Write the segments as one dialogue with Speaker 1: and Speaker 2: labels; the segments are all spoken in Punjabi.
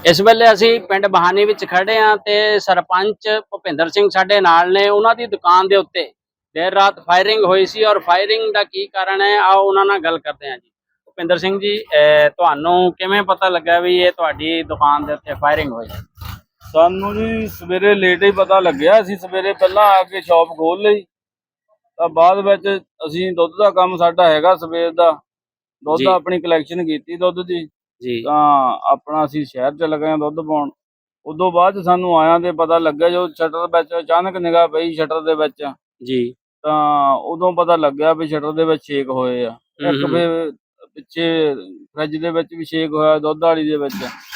Speaker 1: इस वेले असी पिंड बहानी विच खड़े हाँ ते सरपंच भुपिंदर सिंह साडे नाल ने। उन्हां दी दुकान दे उत्ते देर रात फायरिंग हुई सी और फायरिंग दा की कारण है आओ उन्हां नाल गल करदे हां जी। भुपिंदर सिंह जी, तुहानू किवें पता लगा भी ये तुहाडी दुकान दे उत्ते फायरिंग हुई?
Speaker 2: सानू जी सवेरे लेट ही पता लग्या। असीं सवेरे पहला आके शॉप खोल लई ਤਾਂ ਬਾਅਦ ਵਿੱਚ ਅਸੀਂ ਦੁੱਧ ਦਾ ਕੰਮ ਸਾਡਾ ਹੈਗਾ ਸਵੇਰ ਦਾ। ਦੁੱਧ ਆਪਣੀ ਕਲੈਕਸ਼ਨ ਕੀਤੀ ਦੁੱਧ ਦੀ
Speaker 1: ਜੀ
Speaker 2: ਤਾਂ ਆਪਣਾ ਅਸੀਂ ਸ਼ਹਿਰ ਚ ਲੱਗੇ ਦੁੱਧ ਪਾਉਣ। ਉਦੋਂ ਬਾਅਦ ਸਾਨੂੰ ਆਇਆਂ ਤੇ ਪਤਾ ਲੱਗਿਆ ਜੋ ਸ਼ਟਰ ਵਿੱਚ ਅਚਾਨਕ ਨਿਗਾਹ ਪਈ ਸ਼ਟਰ ਦੇ ਵਿੱਚ
Speaker 1: ਜੀ
Speaker 2: ਤਾਂ ਉਦੋਂ ਪਤਾ ਲੱਗਿਆ ਵੀ ਸ਼ਟਰ ਦੇ ਵਿੱਚ ਛੇਕ ਹੋਏ ਆ। ਇੱਕ ਫਿਰ ਪਿੱਛੇ ਫਰਿੱਜ ਦੇ ਵਿੱਚ ਵੀ ਛੇਕ ਹੋਇਆ ਦੁੱਧ ਵਾਲੀ ਦੇ ਵਿੱਚ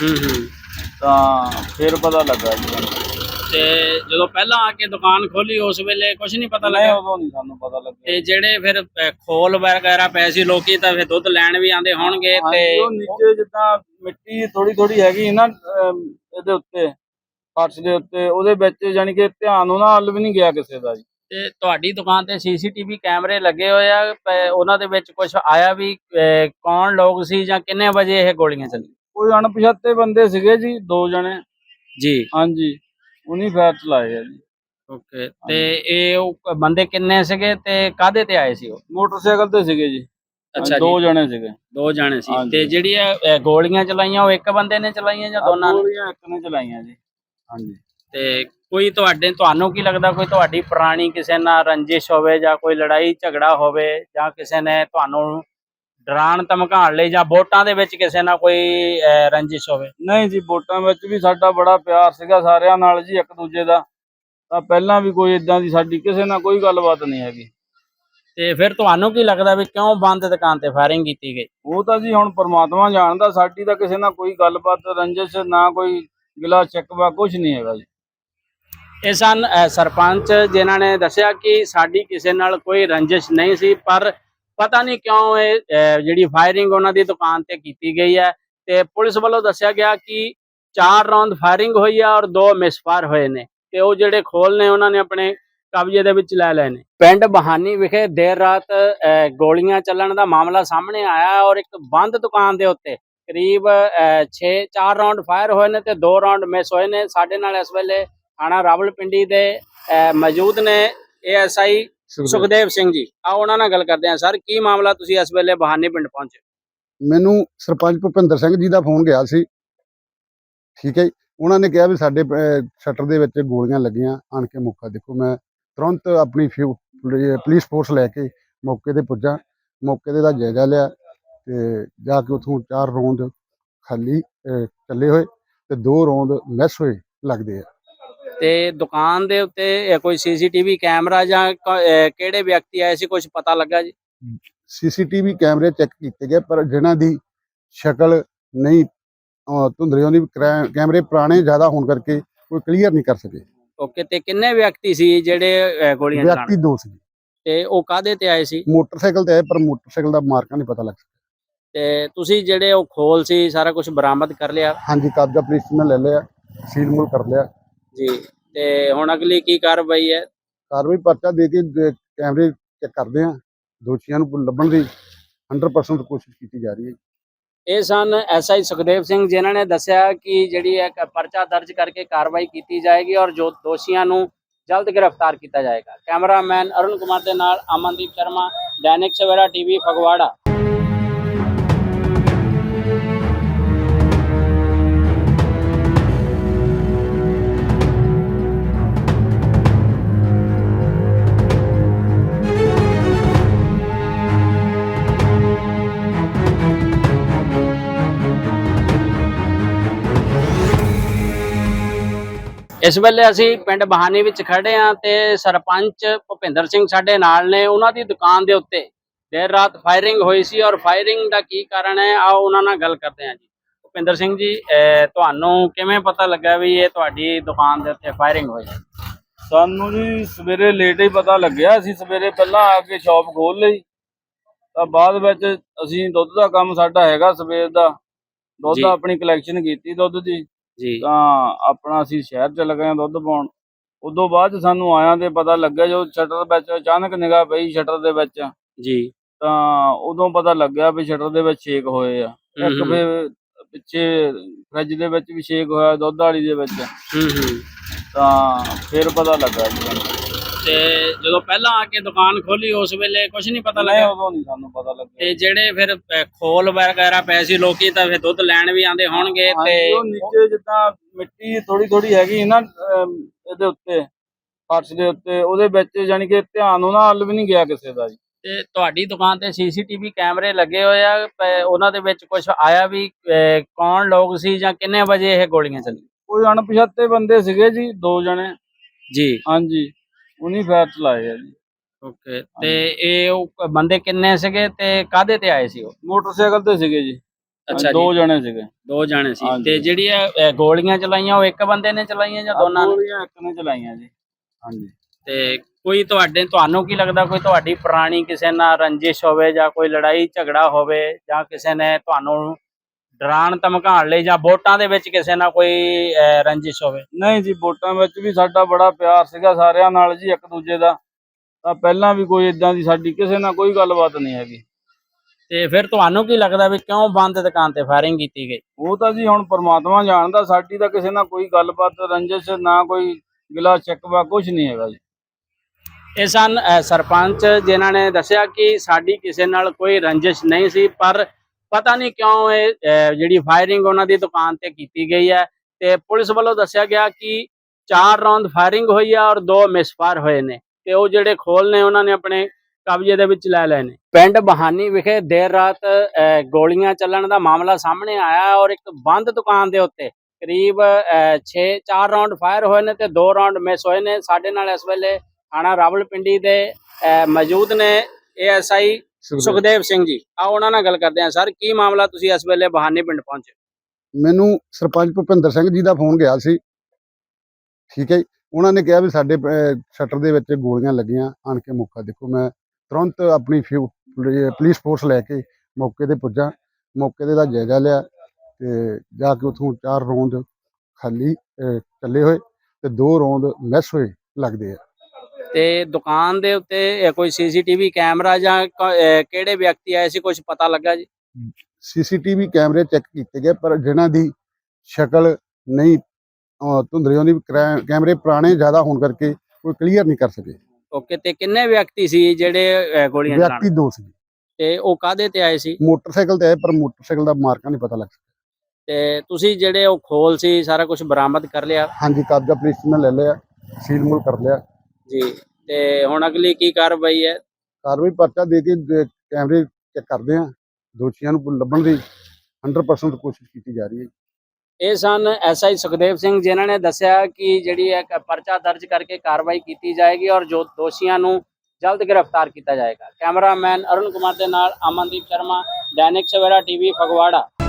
Speaker 2: ਤਾਂ ਫਿਰ ਪਤਾ ਲੱਗਾ ਜੀ ਸਾਨੂੰ।
Speaker 1: ਤੇ ਜਦੋਂ ਪਹਿਲਾਂ ਆ ਕੇ ਦੁਕਾਨ ਖੋਲੀ ਉਸ ਵੇਲੇ ਕੁਝ ਨਹੀਂ ਪਤਾ ਲੱਗਿਆ?
Speaker 2: ਉਦੋਂ ਨਹੀਂ ਸਾਨੂੰ ਪਤਾ ਲੱਗਿਆ।
Speaker 1: ਤੇ ਜਿਹੜੇ ਫਿਰ ਖੋਲ ਵਗੈਰਾ ਪਏ ਸੀ ਲੋਕੀ ਤਾਂ ਫਿਰ ਦੁੱਧ ਲੈਣ ਵੀ ਆਂਦੇ ਹੋਣਗੇ ਤੇ
Speaker 2: ਉਹ ਨੀਚੇ ਜਿੱਦਾਂ ਮਿੱਟੀ ਥੋੜੀ ਥੋੜੀ ਹੈਗੀ ਨਾ ਇਹਦੇ ਉੱਤੇ ਫਰਸ਼ ਦੇ ਉੱਤੇ ਉਹਦੇ ਵਿੱਚ ਯਾਨੀ ਕਿ ਧਿਆਨ ਉਹਨਾਂ ਵੱਲ ਵੀ ਨਹੀਂ ਗਿਆ ਕਿਸੇ ਦਾ ਜੀ।
Speaker 1: ਤੇ ਤੁਹਾਡੀ ਦੁਕਾਨ ਤੇ ਸੀਸੀਟੀਵੀ ਕੈਮਰੇ ਲੱਗੇ ਹੋਏ ਆ, ਉਹਨਾਂ ਦੇ ਵਿੱਚ ਕੁਝ ਆਇਆ ਵੀ ਕੌਣ ਲੋਕ ਸੀ ਜਾਂ ਕਿੰਨੇ ਵਜੇ ਇਹ ਗੋਲੀਆਂ ਚੱਲੀਆਂ?
Speaker 2: ਕੋਈ ਅਣਪਛਾਤੇ ਬੰਦੇ ਸੀਗੇ ਜੀ 2 ਜਣੇ
Speaker 1: ਜੀ।
Speaker 2: ਹਾਂਜੀ ਉਨੀ ਫਾਇਰ ਚਲਾਏ ਆ ਜੀ।
Speaker 1: ਓਕੇ, ਤੇ ਇਹ ਉਹ ਬੰਦੇ ਕਿੰਨੇ ਸੀਗੇ ਤੇ ਕਾਹਦੇ ਤੇ ਆਏ ਸੀ? ਉਹ
Speaker 2: ਮੋਟਰਸਾਈਕਲ ਤੇ ਸੀਗੇ ਜੀ।
Speaker 1: ਅੱਛਾ,
Speaker 2: 2 ਜਣੇ ਸੀਗੇ।
Speaker 1: 2 ਜਣੇ ਸੀ। ਤੇ ਜਿਹੜੀਆਂ ਗੋਲੀਆਂ ਚਲਾਈਆਂ ਉਹ ਇੱਕ ਬੰਦੇ ਨੇ ਚਲਾਈਆਂ ਜਾਂ ਦੋਨਾਂ ਨੇ?
Speaker 2: ਗੋਲੀਆਂ ਇੱਕ ਨੇ ਚਲਾਈਆਂ ਜੀ। ਹਾਂਜੀ।
Speaker 1: ਤੇ ਕੋਈ ਤੁਹਾਨੂੰ ਕੀ ਲੱਗਦਾ ਕੋਈ ਤੁਹਾਡੀ ਪੁਰਾਣੀ ਕਿਸੇ ਨਾਲ ਰੰਜਿਸ਼ ਹੋਵੇ ਜਾਂ ਕੋਈ ਲੜਾਈ ਝਗੜਾ ਹੋਵੇ ਜਾਂ ਕਿਸੇ ਨੇ ਤੁਹਾਨੂੰ ਡਰਾਉਣ ਧਮਕਾਉਣ ਲਈ ਜਾਂ ਵੋਟਾਂ ਦੇ ਵਿੱਚ ਕਿਸੇ ਨਾਲ ਕੋਈ ਰੰਜਿਸ਼ ਹੋਵੇ?
Speaker 2: ਨਹੀਂ ਜੀ, ਵੋਟਾਂ ਵਿੱਚ ਵੀ ਸਾਡਾ ਬੜਾ ਪਿਆਰ ਸੀਗਾ ਸਾਰਿਆਂ ਨਾਲ ਜੀ ਇੱਕ ਦੂਜੇ ਦਾ। ਤਾਂ ਪਹਿਲਾਂ ਵੀ ਕੋਈ ਇਦਾਂ ਦੀ ਸਾਡੀ ਕਿਸੇ ਨਾਲ ਕੋਈ ਗੱਲਬਾਤ ਨਹੀਂ ਹੈਗੀ।
Speaker 1: ਤੇ ਫਿਰ ਤੁਹਾਨੂੰ ਕੀ ਲੱਗਦਾ ਵੀ ਕਿਉਂ ਬੰਦ ਦੁਕਾਨ ਤੇ ਫਾਇਰਿੰਗ ਕੀਤੀ ਗਈ?
Speaker 2: ਉਹ ਤਾਂ ਜੀ ਹੁਣ ਪਰਮਾਤਮਾ ਜਾਣਦਾ। ਸਾਡੀ ਤਾਂ ਕਿਸੇ ਨਾਲ ਕੋਈ ਗੱਲਬਾਤ ਰੰਜਿਸ਼ ਨਾ ਕੋਈ ਗਿਲਾ ਸ਼ਿਕਵਾ ਕੁਝ ਨਹੀਂ ਹੈਗਾ ਜੀ।
Speaker 1: ਇਹ ਸਨ ਸਰਪੰਚ ਜਿਨ੍ਹਾਂ ਨੇ ਦੱਸਿਆ ਕਿ ਸਾਡੀ ਕਿਸੇ ਨਾਲ ਕੋਈ ਰੰਜਿਸ਼ ਨਹੀਂ ਸੀ, ਪਰ ਪਤਾ ਨਹੀਂ ਕਿਉਂ ਇਹ ਜਿਹੜੀ ਫਾਇਰਿੰਗ ਉਹਨਾਂ ਦੀ ਦੁਕਾਨ ਤੇ ਕੀਤੀ ਗਈ ਹੈ। ਤੇ ਪੁਲਿਸ ਵੱਲੋਂ ਦੱਸਿਆ ਗਿਆ ਕਿ 4 ਰਾਉਂਡ ਫਾਇਰਿੰਗ ਹੋਈ ਹੈ ਔਰ 2 ਮਿਸਫਾਇਰ ਹੋਏ ਨੇ ਤੇ ਉਹ ਜਿਹੜੇ ਖੋਲ ਨੇ ਉਹਨਾਂ ਨੇ ਆਪਣੇ ਕਬਜ਼ੇ ਦੇ ਵਿੱਚ ਲੈ ਲਏ ਨੇ। ਪਿੰਡ ਬਹਾਨੀ ਵਿਖੇ ਦੇਰ ਰਾਤ ਗੋਲੀਆਂ ਚੱਲਣ ਦਾ ਮਾਮਲਾ ਸਾਹਮਣੇ ਆਇਆ ਔਰ ਇੱਕ ਬੰਦ ਦੁਕਾਨ ਦੇ ਉੱਤੇ ਕਰੀਬ 4 ਰਾਉਂਡ ਫਾਇਰ ਹੋਏ ਨੇ ਤੇ 2 ਰਾਉਂਡ ਮਿਸ ਹੋਏ ਨੇ। ਸਾਡੇ ਨਾਲ ਇਸ ਵੇਲੇ ਥਾਣਾ ਰਾਵਲਪਿੰਡੀ ਦੇ ਮੌਜੂਦ ਨੇ ASI ਸੁਖਦੇਵ ਸਿੰਘ ਜੀ। ਆਓ ਉਹਨਾਂ ਨਾਲ ਗੱਲ ਕਰਦੇ ਹਾਂ। ਸਰ, ਕੀ ਮਾਮਲਾ, ਤੁਸੀਂ ਇਸ ਵੇਲੇ ਬਹਾਨੀ ਪਿੰਡ ਪਹੁੰਚੇ?
Speaker 3: ਮੈਨੂੰ ਸਰਪੰਚ ਭੁਪਿੰਦਰ ਸਿੰਘ ਜੀ ਦਾ ਫੋਨ ਗਿਆ ਸੀ। ਠੀਕ ਹੈ ਜੀ। ਉਹਨਾਂ ਨੇ ਕਿਹਾ ਵੀ ਸਾਡੇ ਸ਼ਟਰ ਦੇ ਵਿੱਚ ਗੋਲੀਆਂ ਲੱਗੀਆਂ, ਆਣ ਕੇ ਮੌਕਾ ਦੇਖੋ। ਮੈਂ ਤੁਰੰਤ ਆਪਣੀ ਪੁਲਿਸ ਫੋਰਸ ਲੈ ਕੇ ਮੌਕੇ ਤੇ ਪੁੱਜਾ। ਮੌਕੇ ਤੇ ਦਾ ਜਾਇਜ਼ਾ ਲਿਆ ਤੇ ਜਾ ਕੇ ਉੱਥੋਂ 4 ਰੌਂਦ ਖਾਲੀ ਚੱਲੇ ਹੋਏ ਤੇ 2 ਰੌਂਦ ਮਿਸ ਹੋਏ ਲੱਗਦੇ ਆ।
Speaker 1: ਤੇ ਦੁਕਾਨ ਦੇ ਉੱਤੇ ਕੋਈ CCTV ਕੈਮਰਾ ਜਾਂ ਕਿਹੜੇ ਵਿਅਕਤੀ ਆਏ ਸੀ, ਕੁਝ ਪਤਾ ਲੱਗਾ ਜੀ?
Speaker 3: CCTV ਕੈਮਰੇ ਚੈੱਕ ਕੀਤੇ ਗਏ ਪਰ ਜਿਨ੍ਹਾਂ ਦੀ ਸ਼ਕਲ ਨਹੀਂ ਧੁੰਦਲੀ ਆਉਂਦੀ, ਕੈਮਰੇ ਪੁਰਾਣੇ ਜ਼ਿਆਦਾ ਹੋਣ ਕਰਕੇ ਕੋਈ ਕਲੀਅਰ ਨਹੀਂ ਕਰ ਸਕੇ।
Speaker 1: ਓਕੇ, ਤੇ ਕਿੰਨੇ ਵਿਅਕਤੀ ਸੀ ਜਿਹੜੇ ਗੋਲੀਆਂ ਚਲਾਉਣ?
Speaker 3: ਵਿਅਕਤੀ 2 ਸੀ।
Speaker 1: ਤੇ ਉਹ ਕਾਹਦੇ ਤੇ ਆਏ ਸੀ?
Speaker 3: ਮੋਟਰਸਾਈਕਲ ਤੇ ਆਏ ਪਰ ਮੋਟਰਸਾਈਕਲ ਦਾ ਮਾਰਕਾ ਨਹੀਂ ਪਤਾ ਲੱਗ ਸਕਿਆ।
Speaker 1: ਤੇ ਤੁਸੀਂ ਜਿਹੜੇ ਉਹ ਖੋਲ ਸੀ ਸਾਰਾ ਕੁਝ ਬਰਾਮਦ ਕਰ ਲਿਆ?
Speaker 3: ਹਾਂਜੀ, ਕਬਜ਼ਾ ਪੁਲਿਸ ਨੇ ਲੈ ਲਿਆ, ਸੀਲ ਮੂਲ ਕਰ ਲਿਆ
Speaker 1: ਜੀ। ਤੇ ਹੁਣ ਅਗਲੀ ਕੀ ਕਾਰਵਾਈ ਹੈ?
Speaker 3: ਕਾਰਵਾਈ ਪਰਚਾ ਦੇ ਕੇ ਕੈਮਰੇ ਚੈੱਕ ਕਰਦੇ ਆ, ਦੋਸ਼ੀਆਂ ਨੂੰ ਲੱਭਣ ਦੀ 100% ਕੋਸ਼ਿਸ਼ ਕੀਤੀ ਜਾ ਰਹੀ ਹੈ।
Speaker 1: ਇਹ ਸਨ SI ਸੁਖਦੇਵ ਸਿੰਘ ਜਿਨ੍ਹਾਂ ਨੇ ਦੱਸਿਆ ਕਿ ਜਿਹੜੀ ਇੱਕ ਪਰਚਾ ਦਰਜ ਕਰਕੇ ਕਾਰਵਾਈ ਕੀਤੀ ਜਾਏਗੀ ਔਰ ਜੋ ਦੋਸ਼ੀਆਂ ਨੂੰ ਜਲਦ ਗ੍ਰਿਫਤਾਰ ਕੀਤਾ ਜਾਏਗਾ। ਕੈਮਰਾਮੈਨ ਅਰੁਣ ਕੁਮਾਰ ਦੇ ਨਾਲ ਅਮਨਦੀਪ ਸ਼ਰਮਾ, ਦੈਨਿਕ ਸਵੇਰਾ TV, ਫਗਵਾੜਾ। इस वेले असी पिंड बहानी विच खड़े हाँ ते सरपंच भुपिंदर सिंह साडे नाल ने। उन्हां दी दुकान दे उत्ते देर रात फायरिंग हुई सी और फायरिंग दा की कारण है आओ उन्हां नाल गल करते हैं जी। भुपिंदर सिंह जी, तुहानू किवें पता लगा भी ये तुहाडी दुकान दे उत्ते फायरिंग हुई?
Speaker 2: ਸਾਨੂੰ ਜੀ ਸਵੇਰੇ ਲੇਟ ਹੀ ਪਤਾ ਲੱਗਿਆ। ਅਸੀਂ ਸਵੇਰੇ ਪਹਿਲਾਂ ਆ ਕੇ ਸ਼ਾਪ ਖੋਲ ਲਈ ਤਾਂ ਬਾਅਦ ਵਿੱਚ ਅਸੀਂ ਦੁੱਧ ਦਾ ਕੰਮ ਸਾਡਾ ਹੈਗਾ ਸਵੇਰ ਦਾ। ਦੁੱਧ ਆਪਣੀ ਕਲੈਕਸ਼ਨ ਕੀਤੀ ਦੁੱਧ ਦੀ
Speaker 1: ਜੀ
Speaker 2: ਤਾਂ ਆਪਣਾ ਅਸੀਂ ਸ਼ਹਿਰ ਚ ਲੱਗੇ ਦੁੱਧ ਪਾਉਣ। ਉਦੋਂ ਬਾਅਦ ਸਾਨੂੰ ਆਇਆਂ ਤੇ ਪਤਾ ਲੱਗਿਆ ਜੋ ਸ਼ਟਰ ਵਿੱਚ ਅਚਾਨਕ ਨਿਗਾਹ ਪਈ ਸ਼ਟਰ ਦੇ ਵਿੱਚ
Speaker 1: ਜੀ
Speaker 2: ਤਾਂ ਉਦੋਂ ਪਤਾ ਲੱਗਿਆ ਵੀ ਸ਼ਟਰ ਦੇ ਵਿੱਚ ਛੇਕ ਹੋਏ ਆ। ਇੱਕ ਫਿਰ ਪਿੱਛੇ ਫਰਿੱਜ ਦੇ ਵਿੱਚ ਵੀ ਛੇਕ ਹੋਇਆ, ਦੁੱਧ ਵਾਲੀ ਦੇ ਵਿੱਚ,
Speaker 1: ਹੂੰ
Speaker 2: ਤਾਂ ਫਿਰ ਪਤਾ ਲੱਗਾ ਜੀ ਸਾਨੂੰ।
Speaker 1: ਤੇ ਜਦੋਂ ਪਹਿਲਾਂ ਆ ਕੇ ਦੁਕਾਨ ਖੋਲੀ ਉਸ ਵੇਲੇ ਕੁਝ ਨਹੀਂ ਪਤਾ
Speaker 2: ਨਹੀਂ,
Speaker 1: ਲੱਗਾ?
Speaker 2: ਉਦੋਂ ਨਹੀਂ ਸਾਨੂੰ ਪਤਾ ਲੱਗਿਆ।
Speaker 1: ਤੇ ਜਿਹੜੇ ਫਿਰ ਖੋਲ ਵਗੈਰਾ ਪਏ ਸੀ, ਲੋਕੀ ਤਾਂ ਫਿਰ ਦੁੱਧ ਲੈਣ ਵੀ ਆਉਂਦੇ ਹੋਣਗੇ ਤੇ
Speaker 2: ਹਾਂਜੀ, ਉਹ ਨੀਚੇ ਜਿੱਦਾਂ ਮਿੱਟੀ ਥੋੜੀ ਥੋੜੀ ਹੈਗੀ ਸੀ ਨਾ ਇਹਦੇ ਉੱਤੇ, ਫਰਸ਼ ਦੇ ਉੱਤੇ, ਉਹਦੇ ਵਿੱਚ ਯਾਨੀ ਕਿ ਧਿਆਨ ਉਹਨਾਂ ਵੱਲ ਵੀ ਨਹੀਂ ਗਿਆ ਕਿਸੇ ਦਾ ਜੀ।
Speaker 1: ਤੇ ਤੁਹਾਡੀ ਦੁਕਾਨ ਤੇ ਸੀਸੀਟੀਵੀ ਕੈਮਰੇ ਲੱਗੇ ਹੋਏ ਆ, ਉਹਨਾਂ ਦੇ ਵਿੱਚ ਕੁਝ ਆਇਆ ਵੀ ਕੌਣ ਲੋਕ ਸੀ ਜਾਂ ਕਿੰਨੇ ਵਜੇ ਇਹ ਗੋਲੀਆਂ ਚੱਲੀਆਂ?
Speaker 2: ਕੋਈ ਅਣਪਛਾਤੇ ਬੰਦੇ ਸੀਗੇ ਜੀ, 2 ਜਣੇ।
Speaker 1: ਜੀ,
Speaker 2: ਹਾਂਜੀ, ਉਹਨੀ ਫਾਇਰ ਚਲਾਏ ਆ ਜੀ।
Speaker 1: ਓਕੇ। ਤੇ ਇਹ ਉਹ ਬੰਦੇ ਕਿੰਨੇ ਸੀਗੇ ਤੇ ਕਾਹਦੇ ਤੇ ਆਏ ਸੀ ਉਹ?
Speaker 2: ਮੋਟਰਸਾਈਕਲ ਤੇ ਸੀਗੇ ਜੀ।
Speaker 1: ਅੱਛਾ ਜੀ,
Speaker 2: 2 ਜਣੇ ਸੀਗੇ।
Speaker 1: 2 ਜਾਣੇ ਸੀ।
Speaker 2: ਹਾਂਜੀ।
Speaker 1: ਤੇ ਜਿਹੜੀਆਂ ਗੋਲੀਆਂ ਚਲਾਈਆਂ ਉਹ ਇੱਕ ਬੰਦੇ ਨੇ ਚਲਾਈਆਂ ਜਾਂ ਦੋਨਾਂ ਨੇ?
Speaker 2: ਗੋਲੀਆਂ ਇੱਕ ਨੇ ਚਲਾਈਆਂ ਜੀ। ਹਾਂਜੀ।
Speaker 1: ਤੇ ਕੋਈ ਤੁਹਾਨੂੰ ਕੀ ਲੱਗਦਾ ਕੋਈ ਤੁਹਾਡੀ ਪੁਰਾਣੀ ਕਿਸੇ ਨਾਲ ਰੰਜਿਸ਼ ਹੋਵੇ ਜਾਂ ਕੋਈ ਲੜਾਈ ਝਗੜਾ ਹੋਵੇ ਜਾਂ ਕਿਸੇ ਨੇ ਤੁਹਾਨੂੰ ਡਰਾਉਣ ਧਮਕਾਉਣ ਲਈ ਜਾਂ ਵੋਟਾਂ ਦੇ ਵਿੱਚ ਕਿਸੇ ਨਾਲ ਕੋਈ ਰੰਜਿਸ਼ ਹੋਵੇ?
Speaker 2: ਨਹੀਂ ਜੀ, ਵੋਟਾਂ ਵਿੱਚ ਵੀ ਸਾਡਾ ਬੜਾ ਪਿਆਰ ਸੀਗਾ ਸਾਰਿਆਂ ਨਾਲ ਜੀ, ਇੱਕ ਦੂਜੇ ਦਾ। ਤਾਂ ਪਹਿਲਾਂ ਵੀ ਕੋਈ ਇਦਾਂ ਦੀ ਸਾਡੀ ਕਿਸੇ ਨਾਲ ਕੋਈ ਗੱਲਬਾਤ ਨਹੀਂ ਹੈਗੀ।
Speaker 1: ਤੇ ਫਿਰ ਤੁਹਾਨੂੰ ਕੀ ਲੱਗਦਾ ਵੀ ਕਿਉਂ ਬੰਦ ਦੁਕਾਨ ਤੇ ਫਾਇਰਿੰਗ ਕੀਤੀ ਗਈ?
Speaker 2: ਉਹ ਤਾਂ ਜੀ ਹੁਣ ਪਰਮਾਤਮਾ ਜਾਣਦਾ, ਸਾਡੀ ਤਾਂ ਕਿਸੇ ਨਾਲ ਕੋਈ ਗੱਲਬਾਤ ਰੰਜਿਸ਼ ਨਾ ਕੋਈ ਗਿਲਾ ਸ਼ਿਕਵਾ ਕੁਝ ਨਹੀਂ ਹੈਗਾ ਜੀ।
Speaker 1: ਇਹ ਸਨ ਸਰਪੰਚ ਜਿਨ੍ਹਾਂ ਨੇ ਦੱਸਿਆ ਕਿ ਸਾਡੀ ਕਿਸੇ ਨਾਲ ਕੋਈ ਰੰਜਿਸ਼ ਨਹੀਂ ਸੀ, ਪਰ ਪਤਾ ਨਹੀਂ ਕਿਉਂ ਇਹ ਜਿਹੜੀ ਫਾਇਰਿੰਗ ਉਹਨਾਂ ਦੀ ਦੁਕਾਨ ਤੇ ਕੀਤੀ ਗਈ ਹੈ। ਤੇ ਪੁਲਿਸ ਵੱਲੋਂ ਦੱਸਿਆ ਗਿਆ ਕਿ 4 ਰੌਂਦ ਫਾਇਰਿੰਗ ਹੋਈ ਹੈ ਔਰ 2 ਮਿਸਫਾਇਰ ਹੋਏ ਨੇ ਤੇ ਉਹ ਜਿਹੜੇ ਖੋਲ ਨੇ ਉਹਨਾਂ ਨੇ ਆਪਣੇ ਕਬਜ਼ੇ ਦੇ ਵਿੱਚ ਲੈ ਲਏ ਨੇ। ਪਿੰਡ ਬਹਾਨੀ ਵਿਖੇ ਦੇਰ ਰਾਤ ਗੋਲੀਆਂ ਚੱਲਣ ਦਾ ਮਾਮਲਾ ਸਾਹਮਣੇ ਆਇਆ ਔਰ ਇੱਕ ਬੰਦ ਦੁਕਾਨ ਦੇ ਉੱਤੇ ਕਰੀਬ 4 ਰੌਂਡ ਫਾਇਰ ਹੋਏ ਨੇ ਤੇ 2 ਰੌਂਡ ਮਿਸ ਹੋਏ ਨੇ। ਸਾਡੇ ਨਾਲ ਇਸ ਵੇਲੇ ਥਾਣਾ ਰਾਵਲਪਿੰਡੀ ਦੇ ਮੌਜੂਦ ਨੇ ASI ਸੁਖਦੇਵ ਸਿੰਘ ਜੀ। ਆ ਉਹਨਾਂ ਨਾਲ ਗੱਲ ਕਰਦੇ ਆ। ਸਰ, ਕੀ ਮਾਮਲਾ, ਤੁਸੀਂ ਇਸ ਵੇਲੇ ਬਹਾਨੀ ਪਿੰਡ ਪਹੁੰਚੇ?
Speaker 3: ਮੈਨੂੰ ਸਰਪੰਚ ਭੁਪਿੰਦਰ ਸਿੰਘ ਜੀ ਦਾ ਫੋਨ ਗਿਆ ਸੀ, ਠੀਕ ਹੈ ਜੀ। ਉਹਨਾਂ ਨੇ ਕਿਹਾ ਵੀ ਸਾਡੇ ਸ਼ਟਰ ਦੇ ਵਿੱਚ ਗੋਲੀਆਂ ਲੱਗੀਆਂ, ਆਣ ਕੇ ਮੌਕਾ ਦੇਖੋ। ਮੈਂ ਤੁਰੰਤ ਆਪਣੀ ਪੁਲਿਸ ਫੋਰਸ ਲੈ ਕੇ ਮੌਕੇ ਤੇ ਪੁੱਜਾ, ਮੌਕੇ ਤੇ ਦਾ ਜਾਇਜ਼ਾ ਲਿਆ ਤੇ ਜਾ ਕੇ ਉੱਥੋਂ 4 ਰੌਂਦ ਖਾਲੀ ਚੱਲੇ ਹੋਏ ਤੇ 2 ਰੌਂਦ ਮਿਸ ਹੋਏ ਲੱਗਦੇ ਆ।
Speaker 1: ਤੇ ਦੁਕਾਨ ਦੇ ਉੱਤੇ ਕੋਈ CCTV ਕੈਮਰਾ ਜਾਂ ਕਿਹੜੇ ਵਿਅਕਤੀ ਆਏ ਸੀ, ਕੁਝ ਪਤਾ ਲੱਗਾ ਜੀ?
Speaker 3: CCTV ਕੈਮਰੇ ਚੈੱਕ ਕੀਤੇ ਗਏ, ਪਰ ਜਿਨ੍ਹਾਂ ਦੀ ਸ਼ਕਲ ਨਹੀਂ ਧੁੰਦਲੀ ਆਉਂਦੀ, ਕੈਮਰੇ ਪੁਰਾਣੇ ਜ਼ਿਆਦਾ ਹੋਣ ਕਰਕੇ ਕੋਈ ਕਲੀਅਰ ਨਹੀਂ ਕਰ ਸਕੇ।
Speaker 1: ਓਕੇ। ਤੇ ਕਿੰਨੇ ਵਿਅਕਤੀ ਸੀ ਜਿਹੜੇ ਗੋਲੀਆਂ ਚਲਾਉਣ?
Speaker 3: ਵਿਅਕਤੀ 2 ਸੀ।
Speaker 1: ਤੇ ਉਹ ਕਾਹਦੇ ਤੇ ਆਏ ਸੀ?
Speaker 3: ਮੋਟਰਸਾਈਕਲ ਤੇ ਆਏ, ਪਰ ਮੋਟਰਸਾਈਕਲ ਦਾ ਮਾਰਕਾ ਨਹੀਂ ਪਤਾ ਲੱਗ ਸਕਿਆ।
Speaker 1: ਤੇ ਤੁਸੀਂ ਜਿਹੜੇ ਉਹ ਖੋਲ ਸੀ ਸਾਰਾ ਕੁਝ ਬਰਾਮਦ ਕਰ ਲਿਆ?
Speaker 3: ਹਾਂਜੀ, ਕਬਜ਼ਾ ਪੁਲਿਸ ਨੇ ਲੈ ਲਿਆ, ਸੀਲ ਮੂਲ ਕਰ ਲਿਆ
Speaker 1: ਜੀ। ਤੇ ਹੁਣ ਅਗਲੀ ਕੀ ਕਾਰਵਾਈ ਹੈ?
Speaker 3: ਕਾਰਵਾਈ ਪਰਚਾ ਦੇ ਕੇ ਕੈਮਰੇ ਚੈੱਕ ਕਰਦੇ ਆ, ਦੋਸ਼ੀਆਂ ਨੂੰ ਲੱਭਣ ਦੀ 100% ਕੋਸ਼ਿਸ਼ ਕੀਤੀ ਜਾ ਰਹੀ ਹੈ।
Speaker 1: ਇਹ ਸਨ SI ਸੁਖਦੇਵ ਸਿੰਘ ਜਿਨ੍ਹਾਂ ਨੇ ਦੱਸਿਆ ਕਿ ਜਿਹੜੀ ਇੱਕ ਪਰਚਾ ਦਰਜ ਕਰਕੇ ਕਾਰਵਾਈ ਕੀਤੀ ਜਾਏਗੀ ਔਰ ਜੋ ਦੋਸ਼ੀਆਂ ਨੂੰ ਜਲਦ ਗ੍ਰਿਫਤਾਰ ਕੀਤਾ ਜਾਏਗਾ। ਕੈਮਰਾਮੈਨ ਅਰੁਣ ਕੁਮਾਰ ਦੇ ਨਾਲ ਅਮਨਦੀਪ ਸ਼ਰਮਾ, ਦੈਨਿਕ ਸਵੇਰਾ TV, ਫਗਵਾੜਾ।